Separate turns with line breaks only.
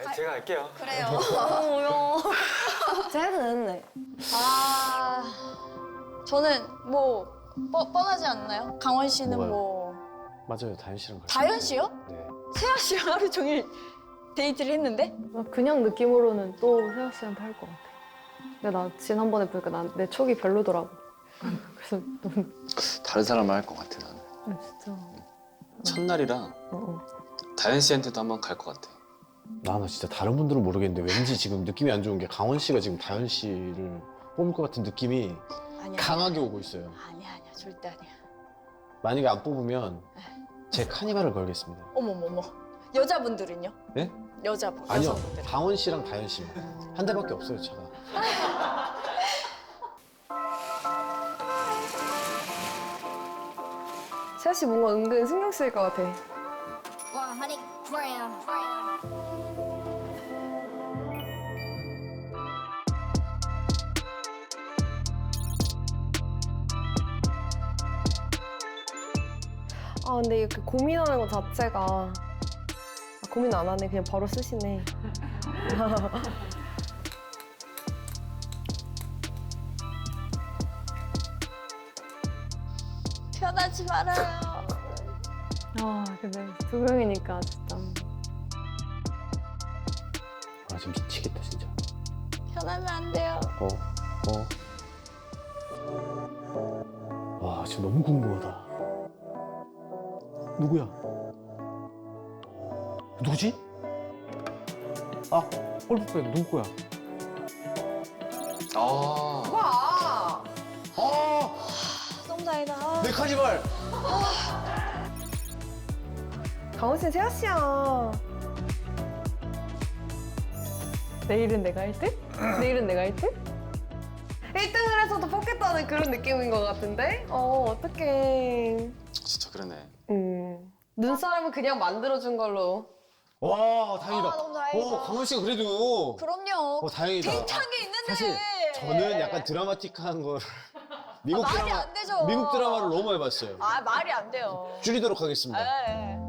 제가 할게요.
그래요.
뭐야. 제가 해도 되는데.
아, 저는 뭐 뻔하지 않나요? 강원 씨는
뭐가요?
뭐
맞아요, 다현 씨랑 같이.
다현 씨요?
네.
세아 씨랑 하루 종일 데이트를 했는데?
그냥 느낌으로는 또 세아 씨한테 할 것 같아. 근데 나 지난번에 보니까 내 촉이 별로더라고. 그래서 너무
다른 사람을 할 것 같아 나는.
진짜.
첫날이라 다현 씨한테도 한번 갈 것 같아.
나 진짜 다른 분들은 모르겠는데 왠지 지금 느낌이 안 좋은 게 강원 씨가 지금 다현 씨를 뽑을 것 같은 느낌이
아니야.
강하게 오고 있어요.
아니야, 절대 아니야.
만약에 안 뽑으면 제 카니발을 걸겠습니다.
어머머머. 여자분들은요?
네?
여자분.
아니요,
여성분들.
강원 씨랑 다현 씨만. 한 대밖에 없어요, 차가.
세아 씨 뭔가 은근 신경 쓰일 것 같아.
100g.
아 근데 이렇게 고민하는 것 자체가 고민 안 하네. 그냥 바로 쓰시네.
편하지 말아요.
아 근데 두 명이니까 진짜.
아, 지금 미치겠다, 진짜.
편하면 안 돼요.
와, 지금 너무 궁금하다. 누구야? 누구지? 아, 골프백 누구 거야?
아,
와!
아,
너무 다행이다.
내 카니발!
강원 씨는 세아 씨야. 내일은 내가 1등? 내일은 내가 1등? 1등을 해서도 뽑겠다는 그런 느낌인 것 같은데? 어떡해.
진짜 그러네.
눈사람은 그냥 만들어준 걸로.
와, 다행이다.
아, 너무 다행이다.
강원 씨가 그래도.
그럼요.
다행이다.
팽창 게 있는데.
사실 저는 약간 드라마틱한 걸 미국
말이
드라마
안 되죠.
미국 드라마를 너무 많이 봤어요.
아, 말이 안 돼요.
줄이도록 하겠습니다.
예.